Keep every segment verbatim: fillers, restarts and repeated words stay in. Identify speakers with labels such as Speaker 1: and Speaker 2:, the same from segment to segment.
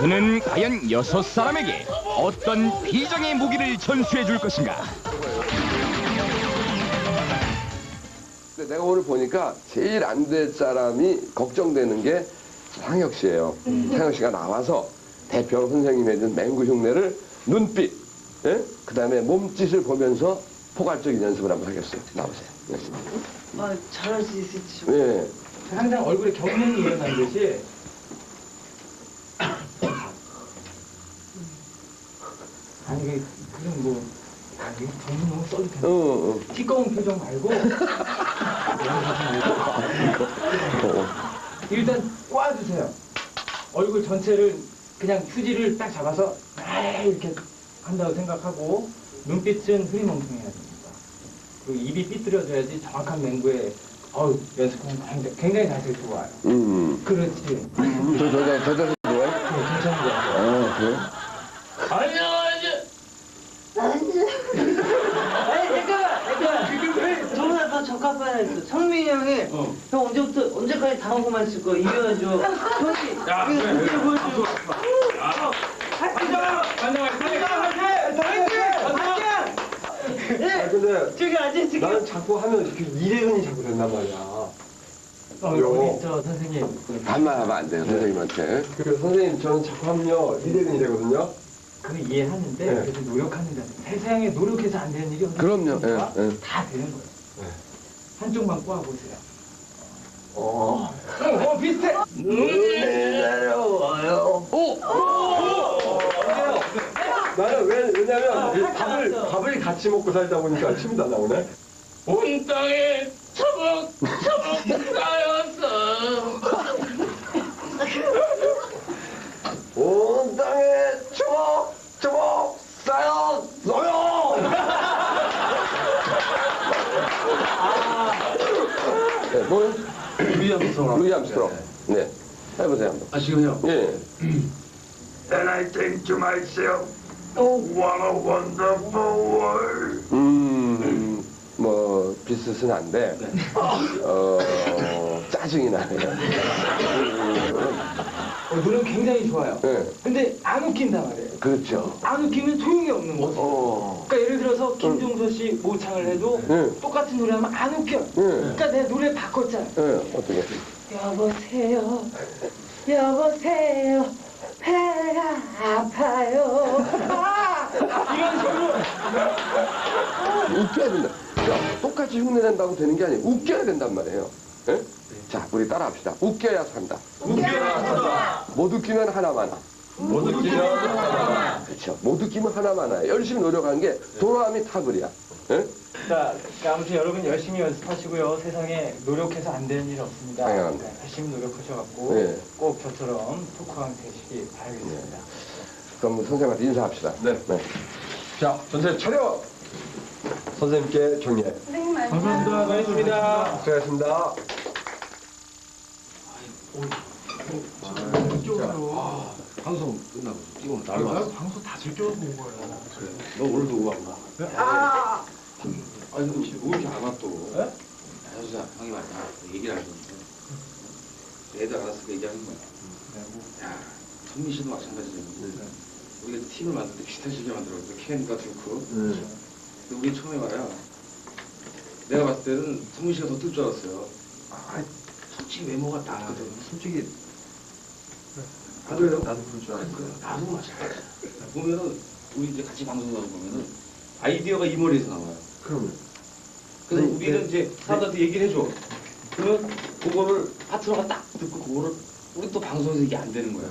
Speaker 1: 그는 과연 여섯 사람에게 어떤 비장의 무기를 전수해 줄 것인가?
Speaker 2: 근데 내가 오늘 보니까 제일 안 될 사람이 걱정되는 게 상혁 씨예요. 음. 상혁 씨가 나와서 대표 선생님이 해준 맹구 흉내를 눈빛, 예? 그 다음에 몸짓을 보면서 포괄적인 연습을 한번 하겠어요. 나오세요. 네.
Speaker 3: 아, 잘할 수 있을지.
Speaker 2: 예.
Speaker 4: 항상 얼굴에 경련이 일어나듯이 아니 그 그런 뭐 아니 정신 너무 써도 되나?
Speaker 2: 어, 어.
Speaker 4: 티꺼운 표정 말고
Speaker 2: 어.
Speaker 4: 일단 꽈주세요. 얼굴 전체를 그냥 휴지를 딱 잡아서 이렇게 한다고 생각하고 눈빛은 흐리멍텅해야 됩니다. 그리고 입이 삐뚤어져야지 정확한 맹구에 어우 연습하면 굉장히, 굉장히 자세 좋아요.
Speaker 2: 음.
Speaker 4: 그렇지.
Speaker 2: 저, 저, 저, 저, 저, 좋아해?
Speaker 4: 네, 괜찮은 거 같아요.
Speaker 2: 아, 그래?
Speaker 4: 안녕하세요.
Speaker 3: 아니, 잠깐만, 잠깐만. 저보다 더 적합한 애 있어. 성민이 형이
Speaker 4: 어.
Speaker 3: 형 언제부터, 언제까지 당하고만 있을 거야? 이겨야죠. 형이,
Speaker 4: 야,
Speaker 3: 이거
Speaker 4: 그래,
Speaker 3: 그때
Speaker 4: 그래.
Speaker 3: 보여줘.
Speaker 4: 아,
Speaker 3: 네,
Speaker 5: 근데
Speaker 3: 저기 앉아있을게.
Speaker 5: 나는 자꾸 하면 이렇게 이래근이 자꾸 된단 말이야.
Speaker 4: 어, 우리 저 선생님.
Speaker 2: 반말하면 안 돼요, 선생님한테.
Speaker 5: 그래서 선생님 저는 자꾸 하면요 이래근이 되거든요.
Speaker 4: 그건 이해하는데
Speaker 5: 네.
Speaker 4: 그래도 노력하는 자. 세상에 노력해서 안 되는 일이 어디
Speaker 2: 그럼요,
Speaker 4: 있습니까?
Speaker 2: 예, 예.
Speaker 4: 다 되는 거예요.
Speaker 5: 네.
Speaker 4: 한쪽만 꼬아보세요.
Speaker 5: 어.
Speaker 4: 어, 어 비슷해.
Speaker 3: 눈이 내려와요.
Speaker 2: 오!
Speaker 5: 나는 왜 왜냐면 이 밥을 밥을 같이 먹고 살다 보니까 침도 안 나오네.
Speaker 4: 온 땅에 처벅 처벅 쌓였어.
Speaker 5: 온 땅에 초목 초목 쌓였어요.
Speaker 2: 네, 뭘?
Speaker 5: 루이 암스트롱.
Speaker 2: 루이 암스트롱. 네. 해보세요, 한번.
Speaker 5: 아 지금요?
Speaker 2: 예.
Speaker 6: And I think to myself, oh, what a wonderful world.
Speaker 2: 음, 뭐, 비슷은 한데, 어, 짜증이 나네요.
Speaker 4: 어, 노력 굉장히 좋아요.
Speaker 2: 네.
Speaker 4: 근데 안 웃긴단 말이에요.
Speaker 2: 그렇죠.
Speaker 4: 안 웃기면 소용이 없는 거죠.
Speaker 2: 어.
Speaker 4: 그러니까 예를 들어서 김종서 씨 모창을 해도
Speaker 2: 네.
Speaker 4: 똑같은 노래 하면 안 웃겨.
Speaker 2: 네.
Speaker 4: 그러니까 내 노래 바꿨잖아.
Speaker 2: 예, 어떻게?
Speaker 3: 여보세요. 여보세요. 배가 아파요. 아!
Speaker 4: 이런 식으로.
Speaker 2: 웃겨야 된다. 야, 똑같이 흉내낸다고 되는 게 아니에요. 웃겨야 된단 말이에요. 예? 자, 우리 따라합시다. 웃겨야 산다.
Speaker 4: 웃겨야 산다.
Speaker 2: 못 웃기면 하나만 하.
Speaker 5: 못 웃기면 하나만.
Speaker 2: 그렇죠. 못 웃기면 하나만 하. 열심히 노력하는 게 도로함이 타글이야. 예?
Speaker 4: 자, 그러니까 아무튼 여러분 열심히 연습하시고요. 세상에 노력해서 안 되는 일 없습니다.
Speaker 2: 당연합니다.
Speaker 4: 네, 열심히 노력하셔갖고
Speaker 2: 네.
Speaker 4: 꼭 저처럼 토크왕 되시기 바라겠습니다.
Speaker 2: 그럼 선생님한테 인사합시다.
Speaker 5: 네. 자 선생님 차렷. 선생님께 경례.
Speaker 4: 감사합니다. 고맙습니다.
Speaker 5: 수고하셨습니다.
Speaker 4: 이쪽으로.
Speaker 7: 방송 끝나고 이거는 나를
Speaker 4: 아,
Speaker 7: 봤어.
Speaker 4: 방송 다 즐겨서 본 거예요.
Speaker 7: 그래. 너 오늘도 음악 나.
Speaker 4: 아!
Speaker 7: 아니 너 지금 왜 이렇게 안 와 또?
Speaker 4: 네?
Speaker 7: 야수자 형이 말이야. 얘기를 하셨는데 애들 알았으니까 얘기하는 거야. 야, 성민 씨도 마찬가지잖아. 우리가 팀을 만들 때 비슷한 시기에 만들었거든. 켄과 듀크. 근데 우리 처음에 말이야. 내가 봤을 때는 성민 씨가 더 뜰 줄 알았어요. 아, 솔직히 외모가 나거든.
Speaker 5: 솔직히
Speaker 7: 아, 그래요?
Speaker 5: 나도 그럴 줄 알았어.
Speaker 7: 나도 마찬가지야. 보면은 우리 이제 같이 방송하고 보면은 아이디어가 이 머리에서 나와요.
Speaker 5: 그러면.
Speaker 7: 그래서
Speaker 5: 네,
Speaker 7: 우리는
Speaker 5: 네.
Speaker 7: 이제 사람들한테 얘기를 해줘. 그러면 그거를 파트너가 딱 듣고 그거를 우리 또 방송에서 이게 안 되는 거야.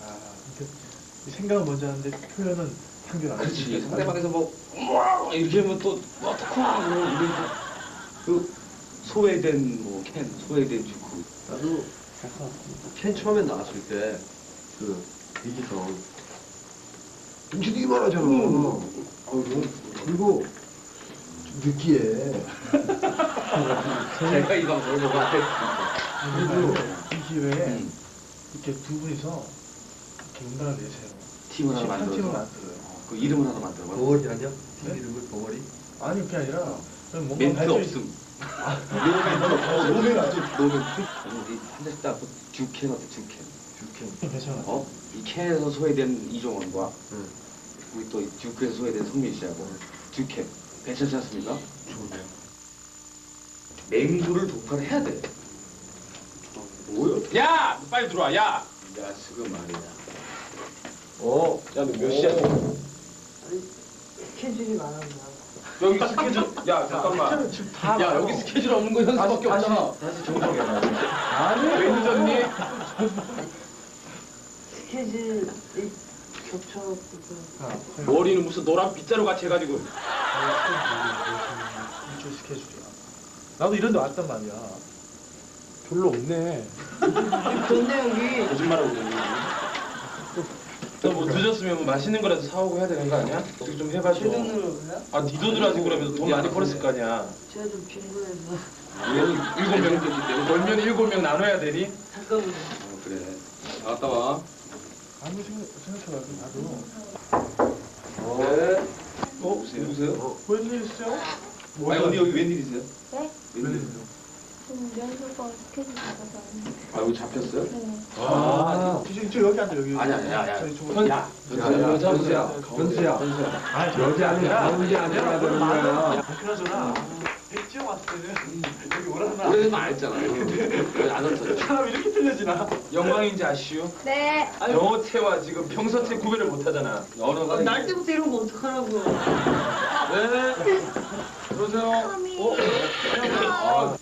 Speaker 8: 생각은 먼저 하는데 표현은 한결 안
Speaker 7: 그렇지.
Speaker 8: 되지.
Speaker 7: 상대방에서 뭐 우와 이렇게 하면 또 어떡하 우리 그 소외된 뭐캔 소외된 주쿠.
Speaker 5: 나도 캔 처음에 나왔을 때 그 이기성 정신이 이만하잖아.
Speaker 7: 음.
Speaker 5: 그리고 좀 느끼해.
Speaker 7: 제가 이 방송을 보고 안
Speaker 8: 그리고 이 기회에
Speaker 7: 음.
Speaker 8: 이렇게 두 분이서 이렇게 음반을 내세요.
Speaker 7: 팀을 하나
Speaker 8: 한
Speaker 7: 만들어서
Speaker 8: 팀을 만들어요.
Speaker 7: 그 이름을 하나 만들어.
Speaker 5: 벙어리 아니야? 팀
Speaker 8: 네?
Speaker 5: 이름을 벙어리?
Speaker 8: 아니 그게 아니라 그냥 뭔가
Speaker 7: 멘트
Speaker 8: 발전이-
Speaker 7: 없음. 노멘 아주 노멘. 우리 한 잔씩 딱 듀캔 어때 듀캔.
Speaker 5: 듀캔.
Speaker 8: 괜찮아.
Speaker 7: 어? 이 캔에서 소외된 이종원과 우리 또 듀크에서 소외된 성민 씨하고 듀캔 괜찮지 않습니까? 좋은데요. 맹구를 독파를 해야 돼.
Speaker 5: 뭐요?
Speaker 7: 야! 너 빨리 들어와, 야! 야, 지금 말이야.
Speaker 5: 어, 야, 너 몇 시야?
Speaker 3: 스케줄이 많아서.
Speaker 7: 여기 스케줄, 야, 잠깐만. 야, 여기 스케줄 없는 거 현수밖에 없잖아.
Speaker 5: 다시 정정해봐.
Speaker 7: 아니, 왜 늦었니?
Speaker 3: 스케줄이 겹쳐갖고.
Speaker 7: 머리는 무슨 노란 빗자루 같이 해가지고.
Speaker 8: 일주일 스케줄이야. 나도 이런 데 왔단 말이야. 별로 없네.
Speaker 3: 근데 여기
Speaker 7: 거짓말하고 그러니. 너뭐 늦었으면 뭐 맛있는 거라도 사오고 해야 되는 거 아니야? 어떻게 좀 해봐줘.
Speaker 3: 제 돈으로 그래요?
Speaker 7: 아, 네 돈으로 하지 그러면서 돈 많이 벌었을 거 아니야.
Speaker 3: 제가 좀 빈곤해서.
Speaker 7: 일곱 명 벌면 일곱 명 나눠야 되니?
Speaker 3: 잠깐만요.
Speaker 7: 어, 그래. 나갔다 와.
Speaker 8: 아무 생각, 생각해봐도 나도.
Speaker 2: 네.
Speaker 7: 어? 누구세요?
Speaker 8: 웬일 있어요?
Speaker 7: 아니, 언니 여기 웬일이세요?
Speaker 9: 네?
Speaker 7: 웬일이세요?
Speaker 9: 지금 연수가 스케줄 잡아서 왔는데.
Speaker 7: 아, 여기 잡혔어요?
Speaker 9: 네.
Speaker 7: 아,
Speaker 8: 저, 저 여기 앉아, 여기.
Speaker 7: 아니, 아니, 야, 야.
Speaker 8: 저기 저-
Speaker 7: 현- 야,
Speaker 2: 야, 야, 현수야, 현수야.
Speaker 8: 아니,
Speaker 2: 여기 아니라 가운데 앉아야 되는 거야.
Speaker 8: 그나저나, 백지영 왔을 때는 여기 오라나.
Speaker 7: 우리는 안 했잖아. 우리 안 왔잖아.
Speaker 8: 사람 이렇게 틀려지나?
Speaker 7: 영광인지 아시오?
Speaker 9: 네.
Speaker 7: 영어체와 지금 평서체 구별을 못 하잖아. 언어가.
Speaker 3: 날 때부터 이런 거 어떡하라고요.
Speaker 7: 네. 들어오세요. 어? 아.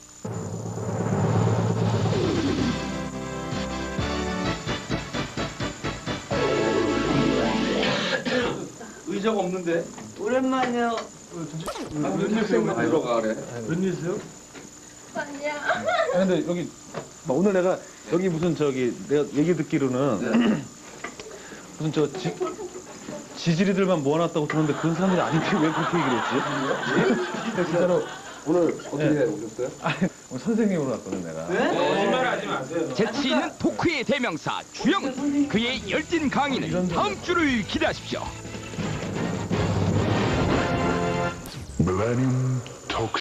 Speaker 7: 의자가 없는데.
Speaker 3: 오랜만이에요.
Speaker 7: 아, 웬일세요? 들어가 그래.
Speaker 8: 웬일이세요?
Speaker 9: 아니야.
Speaker 10: 아, 근데 여기 뭐 오늘 내가 여기 무슨 저기 내가 얘기 듣기로는 무슨 저 지, 지지리들만 모아놨다고 들었는데 그런 사람들이 아닌데 왜 그렇게 얘기를 했지?
Speaker 2: 진짜로 오늘 어떻게
Speaker 10: 네.
Speaker 2: 오셨어요?
Speaker 10: 아니 오늘 선생님으로 왔거든 내가.
Speaker 7: 거짓말 하지 마세요.
Speaker 1: 재치 있는 토크의 대명사 주영은 그의 열띤 강의는 다음 주를 기대하십시오.
Speaker 6: Millennium Talk